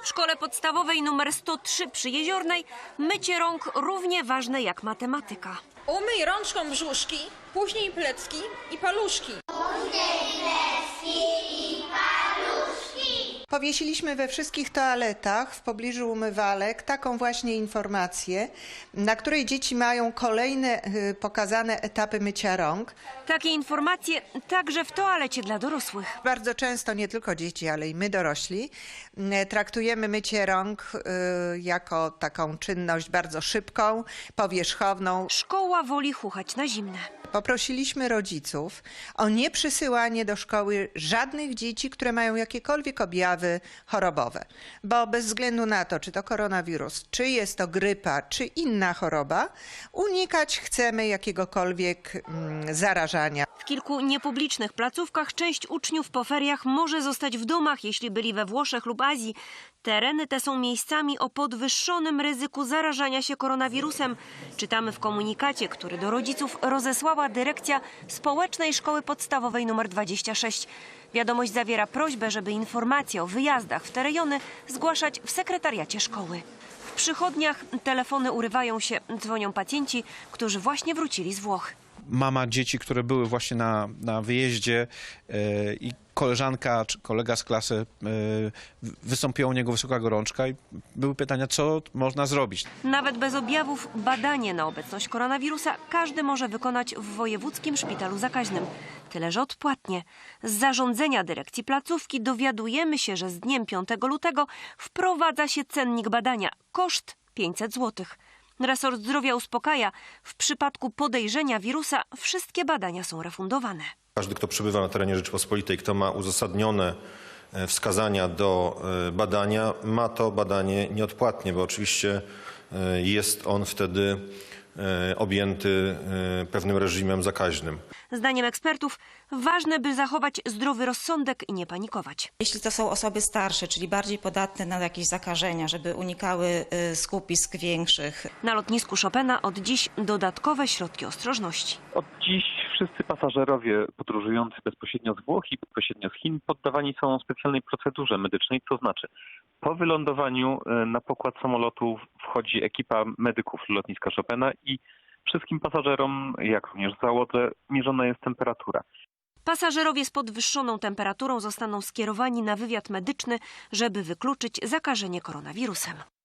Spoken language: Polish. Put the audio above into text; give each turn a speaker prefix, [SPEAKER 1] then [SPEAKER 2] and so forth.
[SPEAKER 1] W szkole podstawowej nr 103 przy Jeziornej mycie rąk równie ważne jak matematyka.
[SPEAKER 2] Umyj rączką brzuszki, później plecki i paluszki.
[SPEAKER 3] Powiesiliśmy we wszystkich toaletach w pobliżu umywalek taką właśnie informację, na której dzieci mają kolejne pokazane etapy mycia rąk.
[SPEAKER 1] Takie informacje także w toalecie dla dorosłych.
[SPEAKER 3] Bardzo często nie tylko dzieci, ale i my dorośli traktujemy mycie rąk jako taką czynność bardzo szybką, powierzchowną.
[SPEAKER 1] Szkoła woli chuchać na zimne.
[SPEAKER 3] Poprosiliśmy rodziców o nieprzysyłanie do szkoły żadnych dzieci, które mają jakiekolwiek objawy chorobowe. Bo bez względu na to, czy to koronawirus, czy jest to grypa, czy inna choroba, unikać chcemy jakiegokolwiek zarażania.
[SPEAKER 1] W kilku niepublicznych placówkach część uczniów po feriach może zostać w domach, jeśli byli we Włoszech lub Azji. Tereny te są miejscami o podwyższonym ryzyku zarażania się koronawirusem. Czytamy w komunikacie, który do rodziców rozesłała dyrekcja Społecznej Szkoły Podstawowej nr 26. Wiadomość zawiera prośbę, żeby informacje o wyjazdach w te rejony zgłaszać w sekretariacie szkoły. W przychodniach telefony urywają się, dzwonią pacjenci, którzy właśnie wrócili z Włoch.
[SPEAKER 4] Mama dzieci, które były właśnie na wyjeździe i koleżanka czy kolega z klasy wystąpiła u niego wysoka gorączka i były pytania, co można zrobić.
[SPEAKER 1] Nawet bez objawów badanie na obecność koronawirusa każdy może wykonać w wojewódzkim szpitalu zakaźnym. Tyle, że odpłatnie. Z zarządzenia dyrekcji placówki dowiadujemy się, że z dniem 5 lutego wprowadza się cennik badania. Koszt 500 zł. Resort Zdrowia uspokaja, w przypadku podejrzenia wirusa wszystkie badania są refundowane.
[SPEAKER 5] Każdy, kto przebywa na terenie Rzeczypospolitej, kto ma uzasadnione wskazania do badania, ma to badanie nieodpłatnie, bo oczywiście jest on wtedy objęty pewnym reżimem zakaźnym.
[SPEAKER 1] Zdaniem ekspertów ważne, by zachować zdrowy rozsądek i nie panikować.
[SPEAKER 6] Jeśli to są osoby starsze, czyli bardziej podatne na jakieś zakażenia, żeby unikały skupisk większych.
[SPEAKER 1] Na lotnisku Chopina od dziś dodatkowe środki ostrożności.
[SPEAKER 7] Od dziś wszyscy pasażerowie podróżujący bezpośrednio z Włoch i bezpośrednio z Chin poddawani są specjalnej procedurze medycznej, to znaczy po wylądowaniu na pokład samolotu wchodzi ekipa medyków lotniska Chopina i wszystkim pasażerom, jak również załodze, mierzona jest temperatura.
[SPEAKER 1] Pasażerowie z podwyższoną temperaturą zostaną skierowani na wywiad medyczny, żeby wykluczyć zakażenie koronawirusem.